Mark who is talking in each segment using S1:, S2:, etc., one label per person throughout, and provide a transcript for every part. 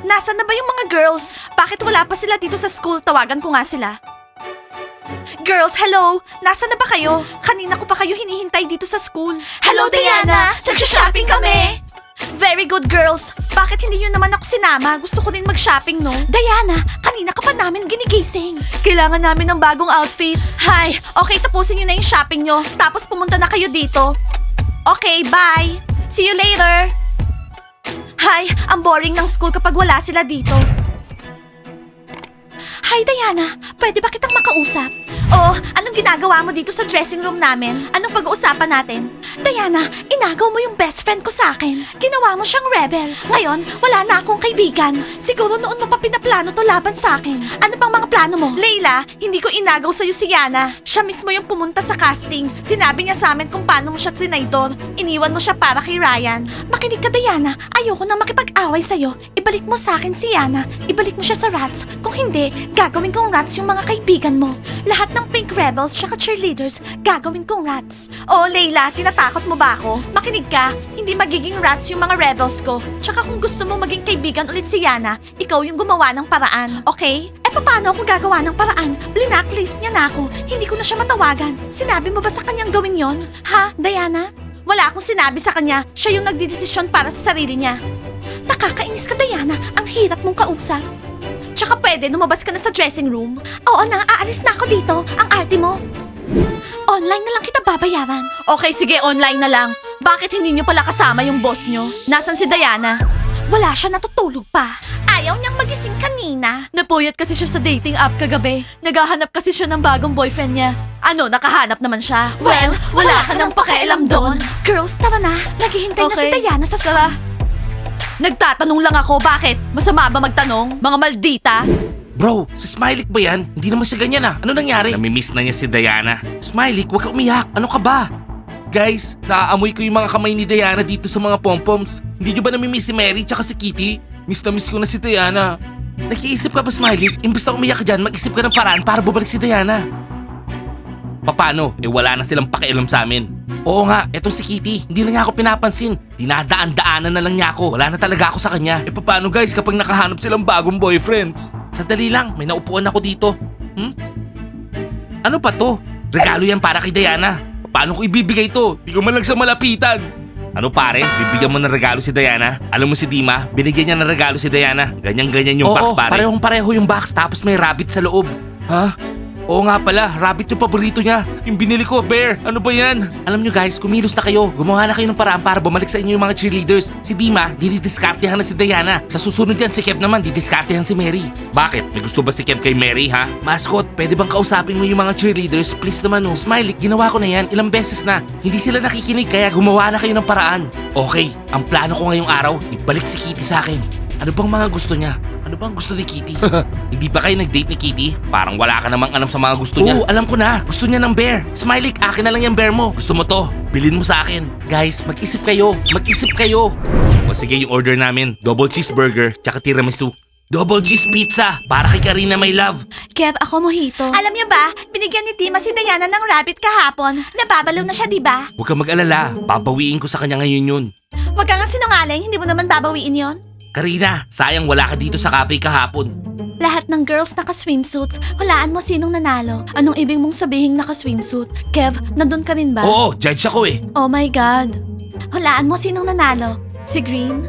S1: Nasaan na ba yung mga girls? Bakit wala pa sila dito sa school? Tawagan ko nga sila. Girls, hello! Nasaan na ba kayo? Kanina ko pa kayo hinihintay dito sa school. Hello, Diana! Nagsha-shopping kami! Very good, girls. Bakit hindi nyo naman ako sinama? Gusto ko din mag-shopping, no? Diana, kanina ka pa namin ginigising. Kailangan namin ng bagong outfits. Hay, okay, tapusin nyo na yung shopping nyo. Tapos pumunta na kayo dito. Okay, bye! See you later! Hay, ang boring ng school kapag wala sila dito. Hi, Diana. Pwede ba kitang makausap? Oh, anong ginagawa mo dito sa dressing room namin? Anong pag-uusapan natin? Diana, inagaw mo yung best friend ko sa akin. Ginawa mo siyang rebel. Ngayon, wala na akong kaibigan. Siguro noon mo pa pinaplano to laban sa akin. Ano pang mga plano mo? Leila, hindi ko inagaw sa'yo si Yana. Siya mismo yung pumunta sa casting. Sinabi niya sa amin kung paano mo siya trinaydor. Iniwan mo siya para kay Ryan. Makinig ka, Diana. Ayoko nang makipag-away sa'yo. Ibalik mo sa akin si Yana. Ibalik mo siya sa rats. Kung hindi, gagawin kong rats yung mga kaibigan mo. Lahat ng pink rebels tsaka cheerleaders, gagawin kong rats. Oh, Leila, tinatakot mo ba ako? Makinig ka, hindi magiging rats yung mga rebels ko. Tsaka kung gusto mo maging kaibigan ulit si Yana, ikaw yung gumawa ng paraan, okay? Paano ako gagawa ng paraan? Blacklist niya na ako. Hindi ko na siya matawagan. Sinabi mo ba sa kanyang gawin yon? Ha, Diana? Wala akong sinabi sa kanya. Siya yung nagdidesisyon para sa sarili niya. Nakakainis ka, Diana. Ang hirap mong kausap. Tsaka pwede, lumabas ka na sa dressing room. Oo na, aalis na ako dito. Ang arte mo. Online na lang kita babayaran. Okay, sige, online na lang. Bakit hindi niyo pala kasama yung boss niyo? Nasaan si Diana? Wala siya, natutulog pa. Ayaw niyang magising kanina. Napuyat kasi siya sa dating app kagabi. Naghahanap kasi siya ng bagong boyfriend niya. Ano, nakahanap naman siya? Well, wala ka nang pakialam doon. Girls, tara na. Naghihintay na si Diana sa sala. Nagtatanong lang ako, bakit? Masama ba magtanong? Mga maldita?
S2: Bro, si Smiley ba yan? Hindi naman siya ganyan ah. Ano nangyari? Namimiss na niya si Diana. Smiley, huwag ka umiyak. Ano ka ba? Guys, naaamoy ko yung mga kamay ni Diana dito sa mga pompoms. Hindi nyo ba namimiss si Mary tsaka si Kitty? Miss na miss ko na si Diana. Nakiisip ka ba, Smiley? Imbes na umiyak ka dyan, mag-isip ka ng paraan para bumalik si Diana. Paano? Wala na silang pakialam sa amin. Oo nga, etong si Kitty, hindi na niya ako pinapansin. Dinadaan-daanan na lang niya ako. Wala na talaga ako sa kanya. Paano guys kapag nakahanap silang bagong boyfriend? Sandali lang, may naupuan ako dito. Ano pa to? Regalo yan para kay Diana. Paano ko ibibigay to? Di ko man lang sa malapitan. Ano pare, bibigyan mo ng regalo si Diana? Alam mo si Dima, binigyan niya ng regalo si Diana. Ganyan-ganyan yung box pare. Oo, parehong-pareho yung box tapos may rabbit sa loob. Ha? Oo nga pala, rabbit yung paborito niya. Yung binili ko, bear. Ano ba yan? Alam nyo guys, kumilos na kayo. Gumawa na kayo ng paraan para bumalik sa inyo yung mga cheerleaders. Si Dima, didiskartehan na si Diana. Sa susunod yan, si Kev naman, didiskartehan si Mary. Bakit? May gusto ba si Kev kay Mary, ha? Mascot, pwede bang kausapin mo yung mga cheerleaders? Please naman oh. Smiley, ginawa ko na yan. Ilang beses na. Hindi sila nakikinig kaya gumawa na kayo ng paraan. Okay, ang plano ko ngayong araw, ibalik si Kitty sa akin. Ano bang mga gusto niya? Ano bang gusto ni Kitty? Hindi ba kayo nag-date ni Kitty? Parang wala ka namang alam sa mga gusto niya. Oo, alam ko na. Gusto niya ng bear. Smiley, akin na lang yung bear mo. Gusto mo to? Bilhin mo sa akin. Guys, mag-isip kayo. Mag-isip kayo. O sige, yung order namin. Double cheeseburger, tsaka tiramisu. Double cheese pizza para kay Karina, my love.
S1: Kev, ako mojito. Alam niyo ba, binigyan ni Tima si Diana ng rabbit kahapon. Nababalaw na siya, di ba?
S2: Huwag kang mag-alala. Babawiin ko sa kanya ngayon yun.
S1: Huwag kang sinungaling, hindi mo naman babawiin yon.
S2: Karina, sayang wala ka dito sa cafe kahapon.
S1: Lahat ng girls naka-swimsuits. Walaan mo sinong nanalo. Anong ibig mong sabihin naka-swimsuit? Kev, nandun ka rin ba?
S2: Oo, judge ako eh.
S1: Oh my God. Hulaan mo sinong nanalo. Si Green?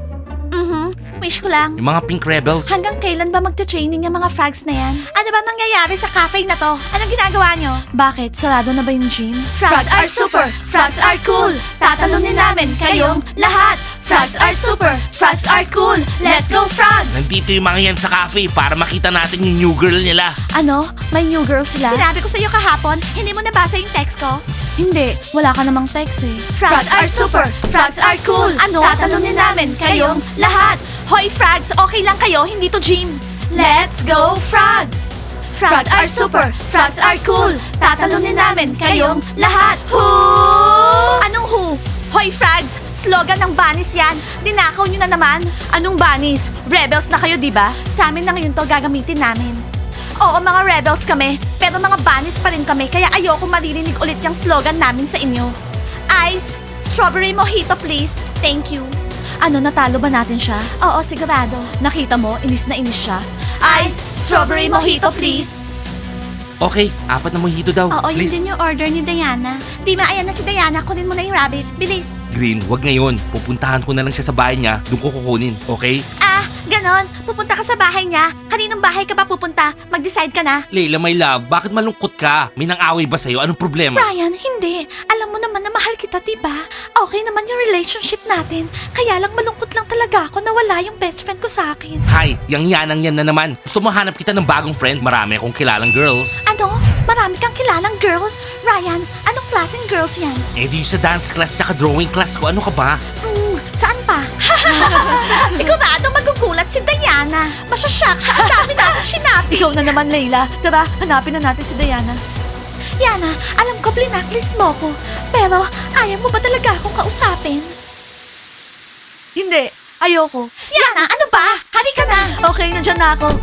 S1: Wish ko lang.
S2: Yung mga pink rebels.
S1: Hanggang kailan ba magta-training yung mga frogs na yan? Ano ba nangyayari sa cafe na to? Anong ginagawa nyo? Bakit? Sarado na ba yung gym? Frogs are super! Frogs are cool! Tatalunin namin kayong lahat! Frogs are super! Frogs are cool! Let's go, frogs!
S2: Nandito yung mga yan sa cafe para makita natin yung new girl nila.
S1: Ano? May new girl sila? Sinabi ko sa'yo kahapon, hindi mo nabasa yung text ko? Hindi, wala ka namang text eh. Frogs are super! Frogs are cool! Ano? Tatalunin namin kayong lahat! Hoy, frogs! Okay lang kayo, hindi to gym! Let's go, frogs! Frogs are super! Frogs are cool! Tatalunin namin kayong lahat! Who? Anong who? Hoy, frogs! Slogan ng bunnies yan! Dinakaw nyo na naman! Anong bunnies? Rebels na kayo, di ba? Sa amin na ngayon to gagamitin namin. Oo, mga rebels kami, pero mga bunnies pa rin kami, kaya ayoko maririnig ulit yung slogan namin sa inyo. Ice, strawberry mojito please. Thank you. Ano, natalo ba natin siya? Oo, sigurado. Nakita mo, inis na inis siya. Ice, strawberry mojito, please.
S2: Okay, 4 na mojito daw.
S1: Oo, yun
S2: Please.
S1: din yung order ni Diana. Dima, ayan na si Diana. Kunin mo na yung rabbit. Bilis.
S2: Green, wag ngayon. Pupuntahan ko na lang siya sa bahay niya. Doon ko kukunin, okay?
S1: Ah, ganon. Pupunta ka sa bahay niya. Kaninong bahay ka ba pupunta? Mag-decide ka na.
S2: Leila, my love, bakit malungkot ka? May nang-away ba sa'yo? Anong problema?
S1: Ryan, hindi. Alam mo naman na mahal kita, diba? Okay naman yung relationship natin. Kaya lang malungkot lang talaga ako na wala yung best friend ko sa akin.
S2: Hay, yang yanang yan na naman. Gusto mo hanap kita ng bagong friend? Marami akong kilalang girls.
S1: Ano? Marami kang kilalang girls? Ryan, anong klaseng girls yan?
S2: Eh di yung sa dance class tsaka drawing class ko, ano ka ba?
S1: Saan pa? Sigurado magugulat si Diana. Masyashock siya. Ang dami natin sinabi. Ikaw na naman, Layla. Tara, hanapin na natin si Diana. Yana, alam ko blinacklist mo ko. Pero ayaw mo ba talaga akong kausapin? Hindi. Ayoko. Yana, ano ba? Halika na. Okay, nandiyan na ako.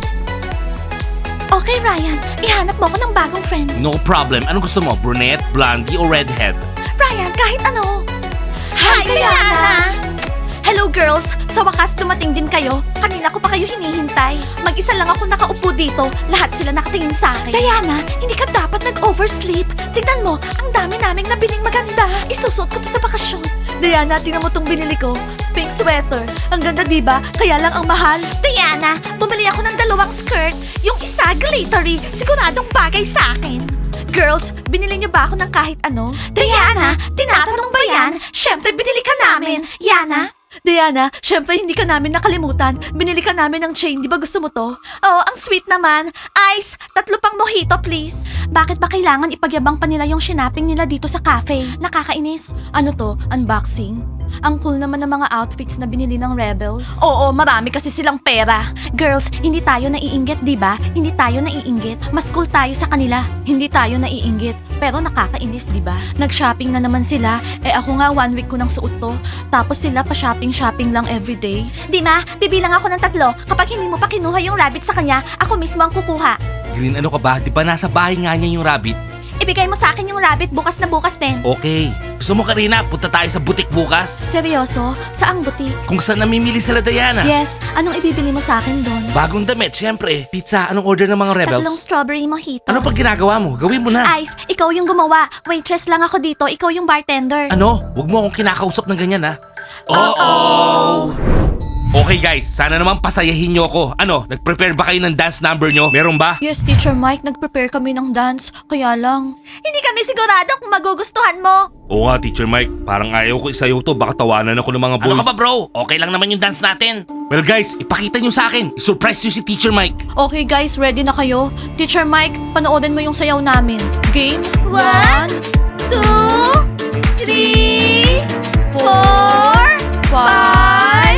S1: Okay, Ryan. Ihanap mo ko ng bagong friend.
S2: No problem. Anong gusto mo? Brunette, blondie, o redhead?
S1: Ryan, kahit ano. Hi, Diana! Hello, girls! Sa wakas, dumating din kayo. Kanina ko pa kayo hinihintay. Mag-isa lang ako nakaupo dito. Lahat sila nakatingin sa akin. Diana, hindi ka dapat nag-oversleep. Tignan mo, ang dami naming nabiling maganda. Isusuot ko to sa bakasyon. Diana, tingnan mo tong binili ko. Pink sweater. Ang ganda, diba? Kaya lang ang mahal. Diana, bumili ako ng 2 skirts. Yung isa, glittery. Siguradong bagay sa akin. Girls, binili niyo ba ako ng kahit ano? Diana, tinatanong ba yan? Siyempre, binili ka namin. Yana? Diana, syempre hindi ka namin nakalimutan. Binili ka namin ng chain, di ba gusto mo to? Oh, ang sweet naman. Ice, 3 pang mojito please. Bakit ba kailangan ipagyabang pa nila yung shinaping nila dito sa cafe? Nakakainis. Ano to? Unboxing? Ang cool naman ng mga outfits na binili ng Rebels. Oo, marami kasi silang pera. Girls, hindi tayo naiinggit, di ba? Hindi tayo naiinggit. Mas cool tayo sa kanila. Hindi tayo naiinggit. Pero nakakainis, di ba? Nag-shopping na naman sila. Eh ako nga 1 week ko nang suot to. Tapos sila pa shopping lang everyday. Di ma, bibilang ako ng 3. Kapag hindi mo pa kinuha yung rabbit sa kanya, ako mismo ang kukuha.
S2: Green, ano ka ba? Di ba nasa bahay nga niya yung rabbit?
S1: Ibigay mo sa akin yung rabbit bukas na bukas din.
S2: Okay. Gusto mo, Karina, punta tayo sa butik bukas?
S1: Seryoso? Saang butik?
S2: Kung saan namimili sila, Diana?
S1: Yes, anong ibibili mo sa akin doon?
S2: Bagong damit, syempre. Pizza, anong order ng mga Rebels?
S1: 3 strawberry mojitos.
S2: Ano pag ginagawa mo? Gawin mo na.
S1: Ice, ikaw yung gumawa. Waitress lang ako dito, ikaw yung bartender.
S2: Ano? Huwag mo akong kinakausap ng ganyan, ha? Oh! Okay guys, sana naman pasayahin nyo ako. Ano, nag-prepare ba kayo ng dance number nyo? Meron ba?
S1: Yes, Teacher Mike, nag-prepare kami ng dance. Kaya lang... Hindi kami sigurado kung magugustuhan mo.
S2: Oo nga, Teacher Mike. Parang ayaw ko isayaw to. Baka tawanan ako ng mga boys. Ano ka ba, bro? Okay lang naman yung dance natin. Well guys, ipakita nyo sa akin. I-surprise nyo si Teacher Mike.
S1: Okay guys, ready na kayo? Teacher Mike, panoorin mo yung sayaw namin. Game? 1, 2, 3, 4, 5,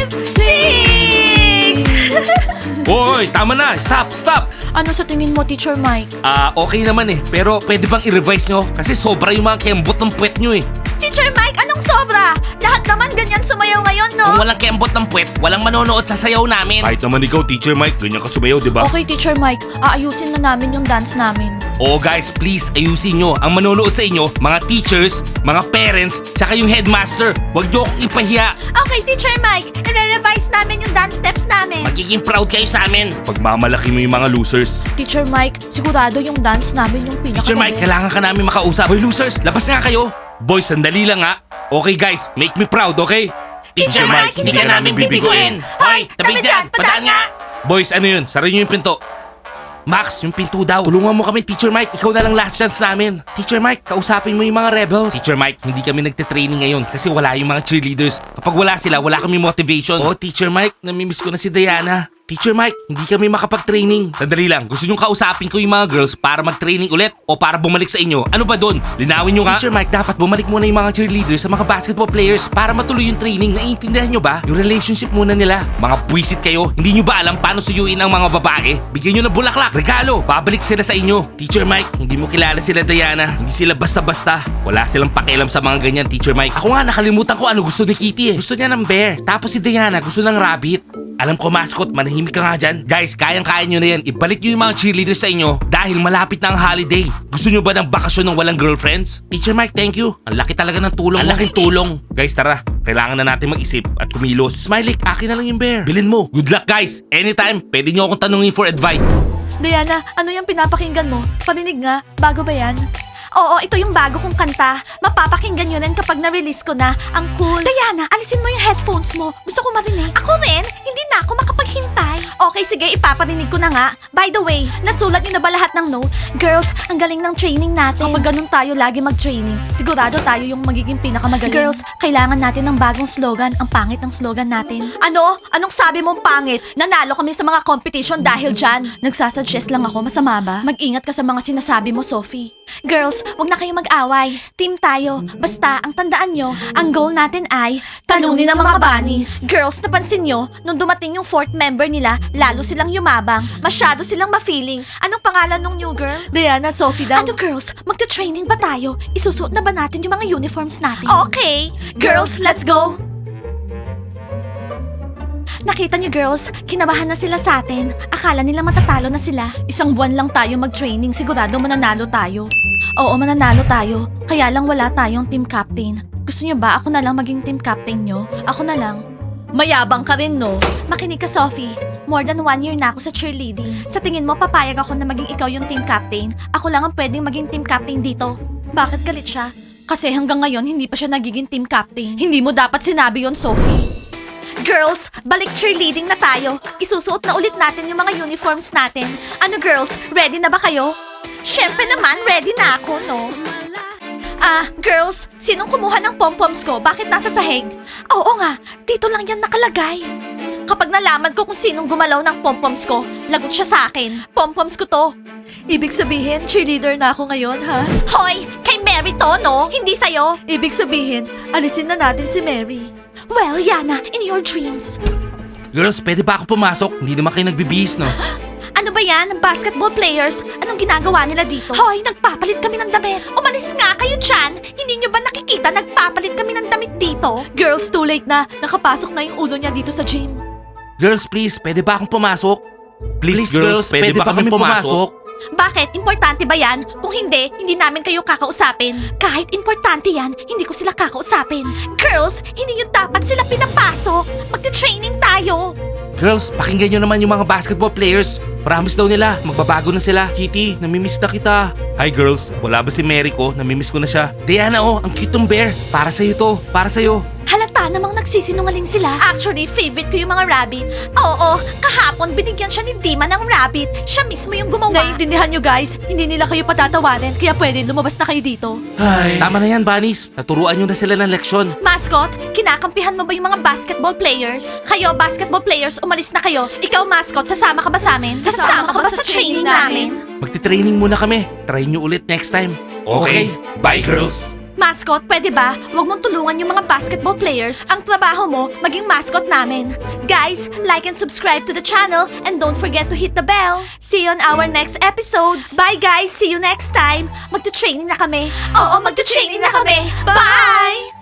S1: 6!
S2: Hoy, tama na. Stop.
S1: Ano sa tingin mo, Teacher Mike?
S2: Okay naman eh. Pero pwede bang i-revise nyo? Kasi sobra yung mga kembot ng puwet nyo eh.
S1: Teacher Mike, anong sobra? Lahat naman ganyan sumayaw ngayon, no?
S2: Kung walang kembot ng puwet, walang manonood sa sayaw namin. Kahit naman ikaw, Teacher Mike, ganyan ka sumayaw, di ba?
S1: Okay, Teacher Mike, aayusin na namin yung dance namin.
S2: Oo guys, please ayusin nyo. Ang manonood sa inyo, mga teachers, mga parents, tsaka yung headmaster. Huwag nyo akong ipahiya.
S1: Okay, Teacher Mike, i-revise namin yung dance steps namin.
S2: Magiging proud kayo sa amin. Pagmamalaki mo yung mga losers.
S1: Teacher Mike, sigurado yung dance namin yung pinaka
S2: Teacher Mike, kailangan ka namin makausap. Hoy losers, labas nga kayo. Boys, sandali lang ha. Okay guys, make me proud, okay?
S1: Teacher Mike, hindi ka namin bibiguin. Hoy, tabi dyan, padaan nga.
S2: Boys, ano yun? Sara nyo yung pinto. Max, yung pinto daw. Tulungan mo kami, Teacher Mike. Ikaw na lang last chance namin. Teacher Mike, kausapin mo yung mga rebels. Teacher Mike, hindi kami nagte-training ngayon kasi wala yung mga cheerleaders. Kapag wala sila, wala kami motivation. Oh, Teacher Mike, namimiss ko na si Diana. Teacher Mike, hindi kami makapag-training. Sandali lang, gusto nyong kausapin ko yung mga girls para mag-training ulit o para bumalik sa inyo? Ano ba doon? Linawin nyo nga. Teacher Mike, dapat bumalik muna yung mga cheerleaders sa mga basketball players para matuloy yung training. Naiintindihan nyo ba? Yung relationship muna nila. Mga puwisit kayo. Hindi nyo ba alam paano suyuin ang mga babae? Bigyan nyo ng bulaklak, regalo. Babalik sila sa inyo. Teacher Mike, hindi mo kilala sila Diana. Hindi sila basta-basta. Wala silang pakialam sa mga ganyan, Teacher Mike. Ako nga, nakalimutan ko ano gusto ni Kitty eh. Gusto niya ng bear. Tapos si Diana gusto ng rabbit. Alam ko, mascot, manahimik ka nga dyan. Guys, kayang-kaya nyo na yan. Ibalik nyo yung mga cheerleaders sa inyo. Dahil malapit na ang holiday. Gusto nyo ba ng bakasyon ng walang girlfriends? Teacher Mike, thank you. Ang laki talaga ng tulong. Ang laking tulong. Guys, tara. Kailangan na natin mag-isip at kumilos. Smiley, akin na lang yung bear. Bilhin mo. Good luck, guys. Anytime, pwede nyo akong tanungin for advice.
S1: Diana, ano yung pinapakinggan mo? Paninig nga, bago ba yan? Oo, ito yung bago kong kanta. Mapapakinggan yun yan kapag na-release ko na. Ang cool. Diana, alisin mo yung headphones mo. Gusto ko marinig. Ako rin, hindi na ako makapaghintay. Okay, sige, ipaparinig ko na nga. By the way, nasulat niyo na ba lahat ng notes? Girls, ang galing ng training natin. Kapag ganun tayo lagi mag-training, sigurado tayo yung magiging pinakamagaling. Girls, kailangan natin ng bagong slogan. Ang pangit ng slogan natin. Ano? Anong sabi mong pangit? Nanalo kami sa mga competition dahil dyan. Nagsasuggest lang ako, masama ba? Mag-ingat ka sa mga sinasabi mo, Sophie. Girls, wag na kayong mag-away. Team tayo. Basta, ang tandaan nyo, ang goal natin ay talunin ang mga bunnies. Girls, napansin nyo, nung dumating yung fourth member nila, lalo silang yumabang. Masyado silang ma-feeling. Anong pangalan ng new girl? Diana, Sophie daw. Ano girls, magta-training ba tayo? Isusuot na ba natin yung mga uniforms natin? Okay. Girls, let's go! Nakita niyo girls, kinabahan na sila sa atin. Akala nila matatalo na sila. Isang buwan lang tayo mag-training, sigurado mananalo tayo. Oo, mananalo tayo. Kaya lang wala tayong team captain. Gusto niyo ba ako na lang maging team captain niyo? Ako na lang. Mayabang ka rin, no? Makinig ka, Sophie. More than 1 year na ako sa cheerleading. Sa tingin mo, papayag ako na maging ikaw yung team captain? Ako lang ang pwedeng maging team captain dito. Bakit galit siya? Kasi hanggang ngayon, hindi pa siya nagiging team captain. Hindi mo dapat sinabi yon, Sophie. Girls, balik cheerleading na tayo. Isusuot na ulit natin yung mga uniforms natin. Ano girls, ready na ba kayo? Syempre naman, ready na ako, no? Girls, sinong kumuha ng pom-poms ko? Bakit nasa sahig? Oo nga, dito lang yan nakalagay. Kapag nalaman ko kung sinong gumalaw ng pom-poms ko, lagot siya sa akin. Pom-poms ko to. Ibig sabihin, cheerleader na ako ngayon, ha? Hoy, kay Mary to, no? Hindi sa'yo. Ibig sabihin, alisin na natin si Mary. Well, Yana, in your dreams.
S2: Girls, pwede ba ako pumasok? Hindi naman kayo nagbibihis, no?
S1: Ano ba yan? Basketball players? Anong ginagawa nila dito? Hoy, nagpapalit kami ng damit. Umalis nga kayo dyan. Hindi nyo ba nakikita nagpapalit kami ng damit dito? Girls, too late na. Nakapasok na yung ulo niya dito sa gym.
S2: Girls, please, pwede ba akong pumasok? Please, girls, pwede ba kami pumasok?
S1: Bakit? Importante ba yan? Kung hindi, hindi namin kayo kakausapin. Kahit importante yan, hindi ko sila kakausapin. Girls, hindi nyo dapat sila pinapasok. Magte-training tayo.
S2: Girls, pakinggan nyo naman yung mga basketball players. Promise daw nila, magbabago na sila. Kitty, namimiss na kita. Hi girls, wala ba si Mary ko? Namimiss ko na siya. Diana, oh, ang cute ng bear. Para sa'yo to, para sa'yo.
S1: Halata namang nagsisinungaling sila. Actually, favorite ko yung mga rabbits. Oo, kahapon binigyan siya ni Dima ng rabbit. Siya mismo yung gumawa. Naiintindihan nyo guys, hindi nila kayo patatawarin, kaya pwede lumabas na kayo dito.
S2: Ay. Tama na yan, bunnies. Naturuan nyo na sila ng leksyon.
S1: Mascot, kinakampihan mo ba yung mga basketball players? Kayo, basketball players, umalis na kayo. Ikaw, mascot, sasama ka ba sa amin? Sasama ka ba sa training namin?
S2: Magti-training muna kami. Try nyo ulit next time. Okay. Bye, girls.
S1: Mascot, pwede ba? Huwag mong tulungan yung mga basketball players. Ang trabaho mo, maging mascot namin. Guys, like and subscribe to the channel and don't forget to hit the bell. See you on our next episodes. Bye guys, see you next time. Magta-training na kami. Oo, magta-training na kami. Bye!